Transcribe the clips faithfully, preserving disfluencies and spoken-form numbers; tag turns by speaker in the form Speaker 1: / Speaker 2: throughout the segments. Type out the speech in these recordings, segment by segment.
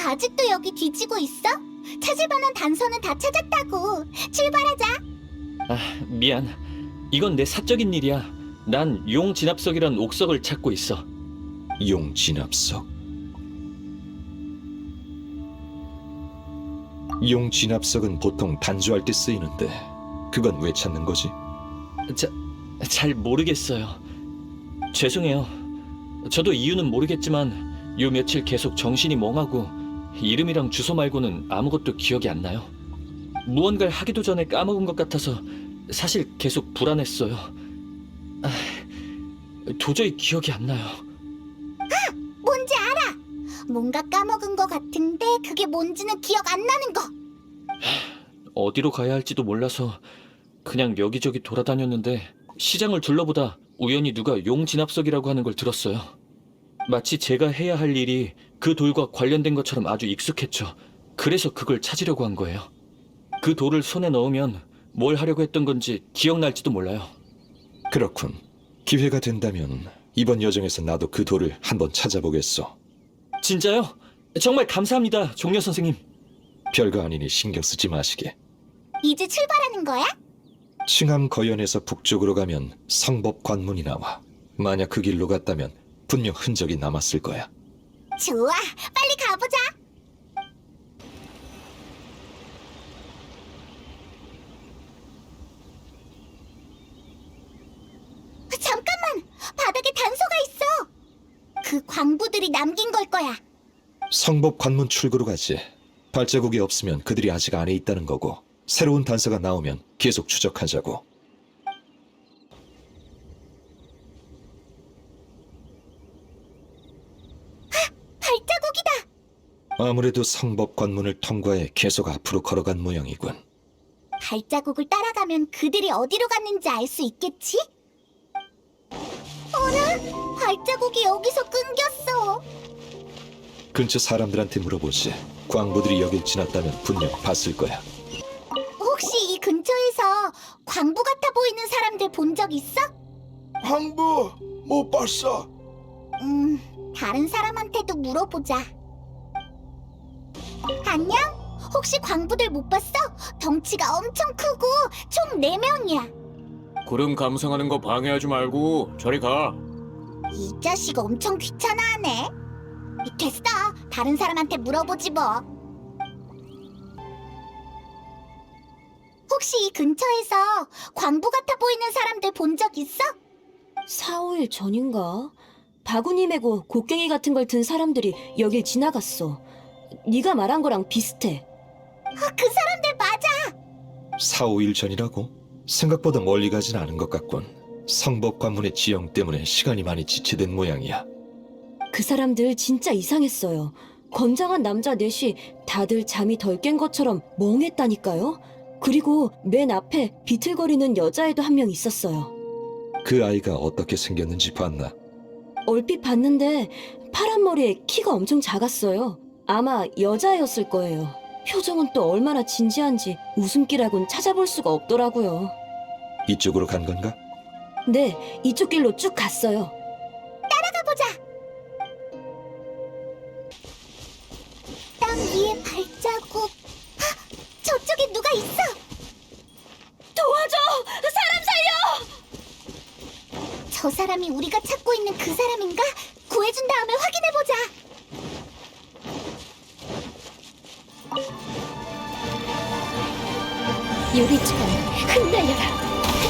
Speaker 1: 아직도 여기 뒤지고 있어? 찾을 만한 단서는 다 찾았다고. 출발하자.
Speaker 2: 아, 미안. 이건 내 사적인 일이야. 난 용 진압석이란 옥석을 찾고 있어.
Speaker 3: 용 진압석? 용 진압석은 보통 단조할 때 쓰이는데 그건 왜 찾는 거지?
Speaker 2: 자, 잘 모르겠어요. 죄송해요. 저도 이유는 모르겠지만 요 며칠 계속 정신이 멍하고 이름이랑 주소 말고는 아무것도 기억이 안 나요. 무언가를 하기도 전에 까먹은 것 같아서 사실 계속 불안했어요. 아, 도저히 기억이 안 나요.
Speaker 1: 뭔지 알아. 뭔가 까먹은 거 같은데 그게 뭔지는 기억 안 나는 거.
Speaker 2: 어디로 가야 할지도 몰라서 그냥 여기저기 돌아다녔는데 시장을 둘러보다 우연히 누가 용 진압석이라고 하는 걸 들었어요. 마치 제가 해야 할 일이 그 돌과 관련된 것처럼 아주 익숙했죠. 그래서 그걸 찾으려고 한 거예요. 그 돌을 손에 넣으면 뭘 하려고 했던 건지 기억날지도 몰라요.
Speaker 3: 그렇군. 기회가 된다면 이번 여정에서 나도 그 돌을 한번 찾아보겠어.
Speaker 2: 진짜요? 정말 감사합니다, 종려 선생님.
Speaker 3: 별거 아니니 신경 쓰지 마시게.
Speaker 1: 이제 출발하는 거야?
Speaker 3: 칭암 거연에서 북쪽으로 가면 성법 관문이 나와. 만약 그 길로 갔다면 분명 흔적이 남았을 거야.
Speaker 1: 좋아, 빨리 가보자. 잠깐만, 바닥에 단서가 있어. 그 광부들이 남긴 걸 거야.
Speaker 3: 성법 관문 출구로 가지. 발자국이 없으면 그들이 아직 안에 있다는 거고, 새로운 단서가 나오면 계속 추적하자고.
Speaker 1: 발자국이다.
Speaker 3: 아무래도 성법 관문을 통과해 계속 앞으로 걸어간 모양이군.
Speaker 1: 발자국을 따라가면 그들이 어디로 갔는지 알 수 있겠지? 어라? 발자국이 여기서 끊겼어.
Speaker 3: 근처 사람들한테 물어보지. 광부들이 여길 지났다면 분명 봤을 거야.
Speaker 1: 혹시 이 근처에서 광부 같아 보이는 사람들 본 적 있어?
Speaker 4: 광부 못 봤어.
Speaker 1: 음, 다른 사람한테도 물어보자. 안녕? 혹시 광부들 못 봤어? 덩치가 엄청 크고 총 네 명이야.
Speaker 5: 구름 감상하는 거 방해하지 말고 저리 가.
Speaker 1: 이 자식 엄청 귀찮아하네. 됐어. 다른 사람한테 물어보지 뭐. 혹시 이 근처에서 광부 같아 보이는 사람들 본 적 있어?
Speaker 6: 사, 오 일 전인가? 바구니 메고 곡괭이 같은 걸 든 사람들이 여길 지나갔어. 네가 말한 거랑 비슷해.
Speaker 1: 아, 그 사람들 맞아.
Speaker 3: 사, 오 일 전이라고? 생각보다 멀리 가진 않은 것 같군. 성법 관문의 지형 때문에 시간이 많이 지체된 모양이야.
Speaker 6: 그 사람들 진짜 이상했어요. 건장한 남자 넷이 다들 잠이 덜 깬 것처럼 멍했다니까요. 그리고 맨 앞에 비틀거리는 여자애도 한 명 있었어요.
Speaker 3: 그 아이가 어떻게 생겼는지 봤나?
Speaker 6: 얼핏 봤는데 파란 머리에 키가 엄청 작았어요. 아마 여자애였을 거예요. 표정은 또 얼마나 진지한지 웃음기라곤 찾아볼 수가 없더라고요.
Speaker 3: 이쪽으로 간 건가?
Speaker 6: 네, 이쪽 길로 쭉 갔어요.
Speaker 1: 가보자. 땅 위에 발자국. 아, 저쪽에 누가 있어.
Speaker 6: 도와줘! 사람 살려!
Speaker 1: 저 사람이 우리가 찾고 있는 그 사람인가? 구해준 다음에 확인해보자.
Speaker 6: 유리처럼 흩날려라.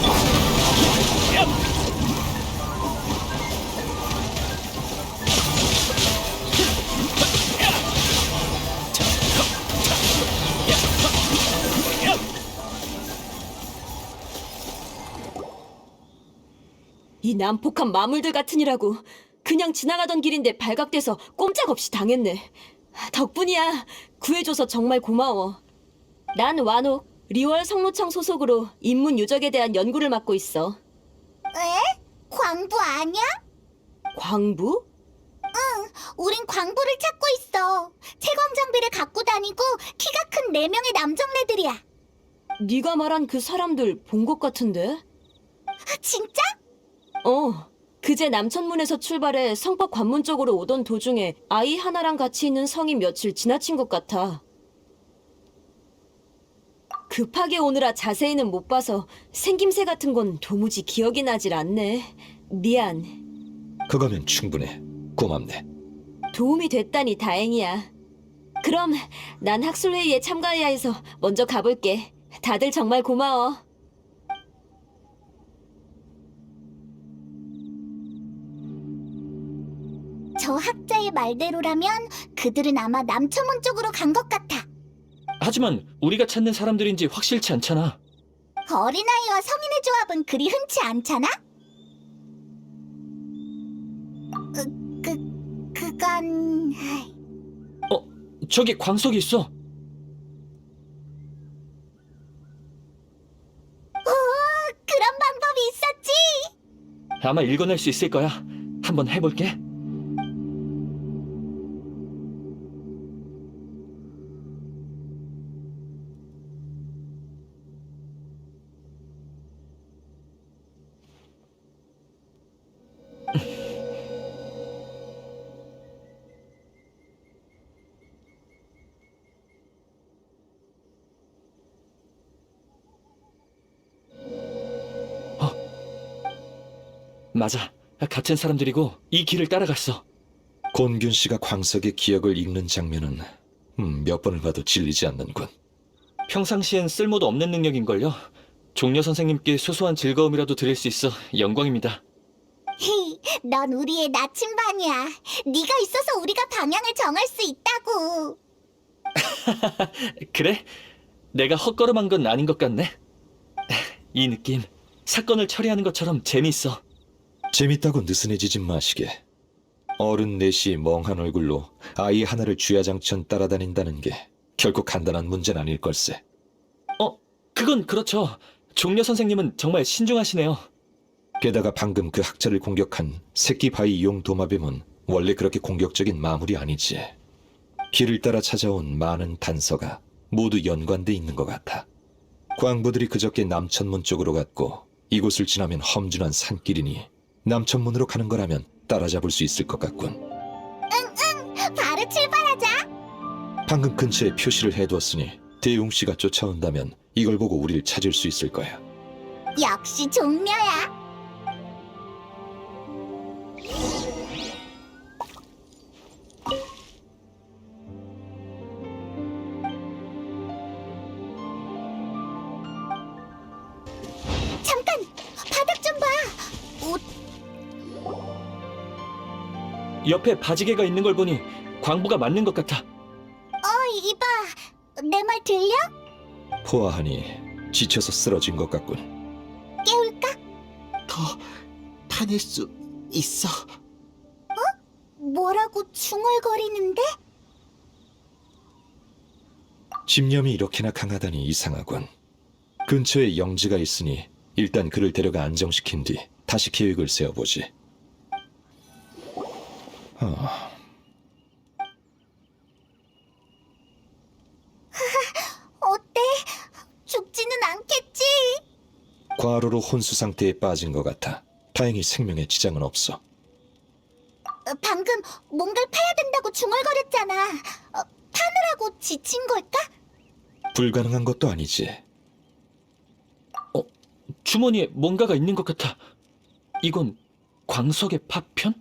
Speaker 6: 이 난폭한 마물들 같으니라고. 그냥 지나가던 길인데 발각돼서 꼼짝없이 당했네. 덕분이야. 구해줘서 정말 고마워. 난 완옥, 리월 성로청 소속으로 인문 유적에 대한 연구를 맡고 있어.
Speaker 1: 에? 광부 아니야?
Speaker 6: 광부?
Speaker 1: 우린 광부를 찾고 있어. 채광 장비를 갖고 다니고 키가 큰 네 명의 남정네들이야.
Speaker 6: 네가 말한 그 사람들 본 것 같은데?
Speaker 1: 아, 진짜?
Speaker 6: 어, 그제 남천문에서 출발해 성법 관문 쪽으로 오던 도중에 아이 하나랑 같이 있는 성이 며칠 지나친 것 같아. 급하게 오느라 자세히는 못 봐서 생김새 같은 건 도무지 기억이 나질 않네. 미안.
Speaker 3: 그거면 충분해. 고맙네.
Speaker 6: 도움이 됐다니 다행이야. 그럼 난 학술회의에 참가해야 해서 먼저 가볼게. 다들 정말 고마워.
Speaker 1: 저 학자의 말대로라면 그들은 아마 남천문 쪽으로 간 것 같아.
Speaker 2: 하지만 우리가 찾는 사람들인지 확실치 않잖아.
Speaker 1: 어린아이와 성인의 조합은 그리 흔치 않잖아? 그, 그, 그건...
Speaker 2: 어, 저기 광석이 있어.
Speaker 1: 오, 그런 방법이 있었지?
Speaker 2: 아마 읽어낼 수 있을 거야. 한번 해볼게. 맞아. 같은 사람들이고 이 길을 따라갔어.
Speaker 3: 곤균 씨가 광석의 기억을 읽는 장면은 음, 몇 번을 봐도 질리지 않는군.
Speaker 2: 평상시엔 쓸모도 없는 능력인걸요. 종려 선생님께 소소한 즐거움이라도 드릴 수 있어 영광입니다.
Speaker 1: 헤이, 넌 우리의 나침반이야. 네가 있어서 우리가 방향을 정할 수 있다고.
Speaker 2: 그래? 내가 헛걸음한 건 아닌 것 같네. 이 느낌, 사건을 처리하는 것처럼 재미있어.
Speaker 3: 재밌다고 느슨해지지 마시게. 어른 넷이 멍한 얼굴로 아이 하나를 주야장천 따라다닌다는 게 결코 간단한 문제는 아닐 걸세.
Speaker 2: 어, 그건 그렇죠. 종려 선생님은 정말 신중하시네요.
Speaker 3: 게다가 방금 그 학자를 공격한 새끼 바위 용 도마뱀은 원래 그렇게 공격적인 마물이 아니지. 길을 따라 찾아온 많은 단서가 모두 연관돼 있는 것 같아. 광부들이 그저께 남천문 쪽으로 갔고 이곳을 지나면 험준한 산길이니 남천문으로 가는 거라면 따라잡을 수 있을 것 같군.
Speaker 1: 바로 출발하자.
Speaker 3: 방금 근처에 표시를 해두었으니 대웅 씨가 쫓아온다면 이걸 보고 우리를 찾을 수 있을 거야.
Speaker 1: 역시 종려야. 잠깐! 바닥 좀 봐! 옷,
Speaker 2: 옆에 바지개가 있는 걸 보니 광부가 맞는 것 같아.
Speaker 1: 어, 이봐. 내 말 들려?
Speaker 3: 포화하니 지쳐서 쓰러진 것 같군.
Speaker 1: 깨울까?
Speaker 7: 더 파낼 수 있어.
Speaker 1: 뭐라고 중얼거리는데?
Speaker 3: 집념이 이렇게나 강하다니 이상하군. 근처에 영지가 있으니 일단 그를 데려가 안정시킨 뒤 다시 계획을 세워보지. 아,
Speaker 1: 어때? 죽지는 않겠지?
Speaker 3: 과로로 혼수 상태에 빠진 것 같아. 다행히 생명에 지장은 없어.
Speaker 1: 어, 방금 뭔가를 파야 된다고 중얼거렸잖아. 어, 파느라고 지친 걸까?
Speaker 3: 불가능한 것도 아니지.
Speaker 2: 주머니에 뭔가가 있는 것 같아. 이건 광석의 파편?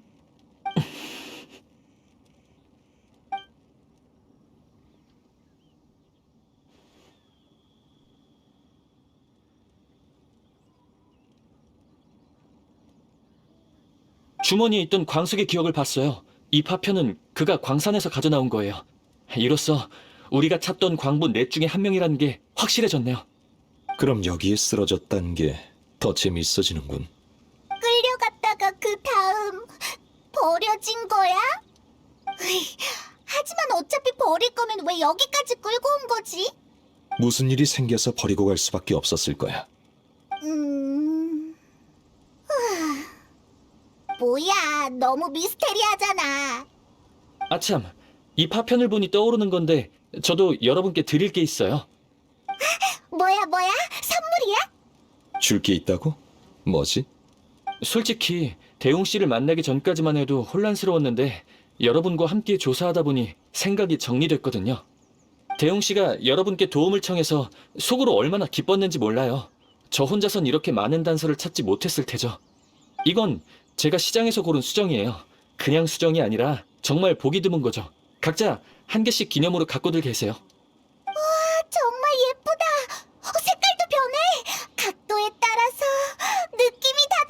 Speaker 2: 주머니에 있던 광석의 기억을 봤어요. 이 파편은 그가 광산에서 가져나온 거예요. 이로써 우리가 찾던 광부 넷 중에 한 명이라는 게 확실해졌네요.
Speaker 3: 그럼 여기에 쓰러졌다는 게 더 재미있어지는군.
Speaker 1: 끌려갔다가 그 다음 버려진 거야? 으이, 하지만 어차피 버릴 거면 왜 여기까지 끌고 온 거지?
Speaker 3: 무슨 일이 생겨서 버리고 갈 수밖에 없었을 거야.
Speaker 1: 음... 후, 뭐야, 너무 미스테리하잖아.
Speaker 2: 아참, 이 파편을 보니 떠오르는 건데 저도 여러분께 드릴 게 있어요.
Speaker 1: 뭐야, 뭐야? 선물이야?
Speaker 3: 줄 게 있다고? 뭐지?
Speaker 2: 솔직히 대웅 씨를 만나기 전까지만 해도 혼란스러웠는데 여러분과 함께 조사하다 보니 생각이 정리됐거든요. 대웅 씨가 여러분께 도움을 청해서 속으로 얼마나 기뻤는지 몰라요. 저 혼자선 이렇게 많은 단서를 찾지 못했을 테죠. 이건 제가 시장에서 고른 수정이에요. 그냥 수정이 아니라 정말 보기 드문 거죠. 각자 한 개씩 기념으로 갖고들 계세요.
Speaker 1: 정말 예쁘다. 어, 색깔도 변해. 각도에 따라서 느낌이 다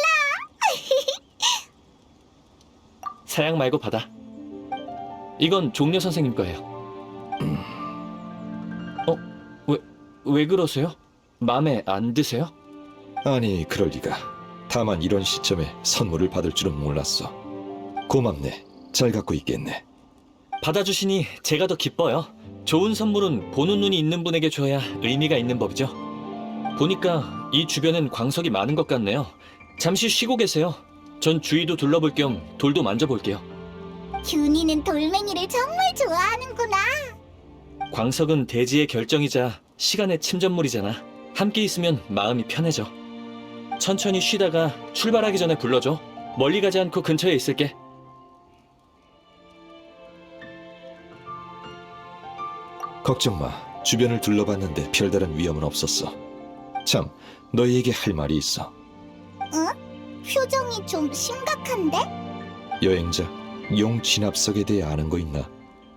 Speaker 1: 달라.
Speaker 2: 사양 말고 받아. 이건 종려 선생님 거예요. 어? 왜, 왜 그러세요? 마음에 안 드세요?
Speaker 3: 아니, 그럴 리가. 다만 이런 시점에 선물을 받을 줄은 몰랐어. 고맙네. 잘 갖고 있겠네.
Speaker 2: 받아주시니 제가 더 기뻐요. 좋은 선물은 보는 눈이 있는 분에게 줘야 의미가 있는 법이죠. 보니까 이 주변엔 광석이 많은 것 같네요. 잠시 쉬고 계세요. 전 주위도 둘러볼 겸 돌도 만져볼게요.
Speaker 1: 균이는 돌멩이를 정말 좋아하는구나.
Speaker 2: 광석은 대지의 결정이자 시간의 침전물이잖아. 함께 있으면 마음이 편해져. 천천히 쉬다가 출발하기 전에 불러줘. 멀리 가지 않고 근처에 있을게.
Speaker 3: 걱정 마. 주변을 둘러봤는데 별다른 위험은 없었어. 참, 너희에게 할 말이 있어.
Speaker 1: 표정이 좀 심각한데?
Speaker 3: 여행자, 용 진압석에 대해 아는 거 있나?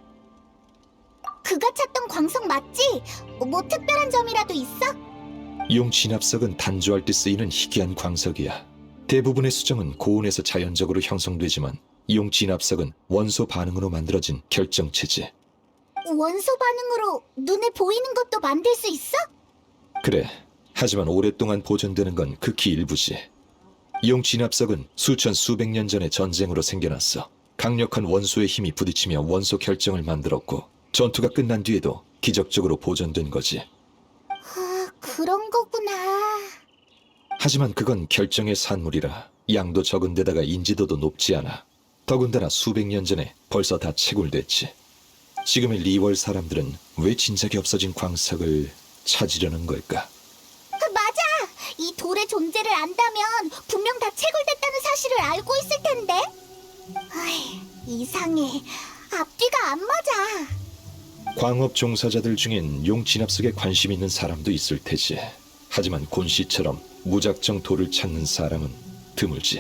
Speaker 1: 그가 찾던 광석 맞지? 뭐 특별한 점이라도 있어?
Speaker 3: 용 진압석은 단조할 때 쓰이는 희귀한 광석이야. 대부분의 수정은 고온에서 자연적으로 형성되지만 용 진압석은 원소 반응으로 만들어진 결정체지.
Speaker 1: 원소 반응으로 눈에 보이는 것도 만들 수 있어?
Speaker 3: 그래. 하지만 오랫동안 보존되는 건 극히 일부지. 용 진압석은 수천 수백 년 전의 전쟁으로 생겨났어. 강력한 원소의 힘이 부딪히며 원소 결정을 만들었고 전투가 끝난 뒤에도 기적적으로 보존된 거지.
Speaker 1: 아, 그런 거구나.
Speaker 3: 하지만 그건 결정의 산물이라 양도 적은 데다가 인지도도 높지 않아. 더군다나 수백 년 전에 벌써 다 채굴됐지. 지금의 리월 사람들은 왜 진작에 없어진 광석을 찾으려는 걸까?
Speaker 1: 아, 맞아! 이 돌의 존재를 안다면 분명 다 채굴됐다는 사실을 알고 있을 텐데. 아이, 이상해. 앞뒤가 안 맞아.
Speaker 3: 광업 종사자들 중엔 용 진압석에 관심 있는 사람도 있을 테지. 하지만 곤 씨처럼 무작정 돌을 찾는 사람은 드물지.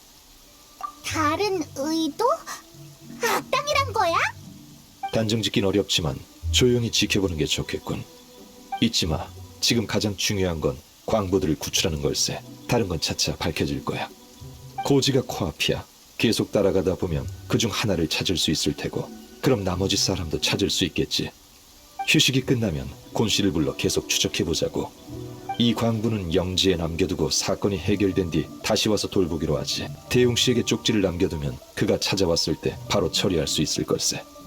Speaker 1: 다른 의도? 악당이란 거야?
Speaker 3: 단정 짓긴 어렵지만 조용히 지켜보는 게 좋겠군. 잊지 마. 지금 가장 중요한 건 광부들을 구출하는 걸세. 다른 건 차차 밝혀질 거야. 고지가 코앞이야. 계속 따라가다 보면 그중 하나를 찾을 수 있을 테고 그럼 나머지 사람도 찾을 수 있겠지. 휴식이 끝나면 곤 씨를 불러 계속 추적해보자고. 이 광부는 영지에 남겨두고 사건이 해결된 뒤 다시 와서 돌보기로 하지. 대웅 씨에게 쪽지를 남겨두면 그가 찾아왔을 때 바로 처리할 수 있을 걸세.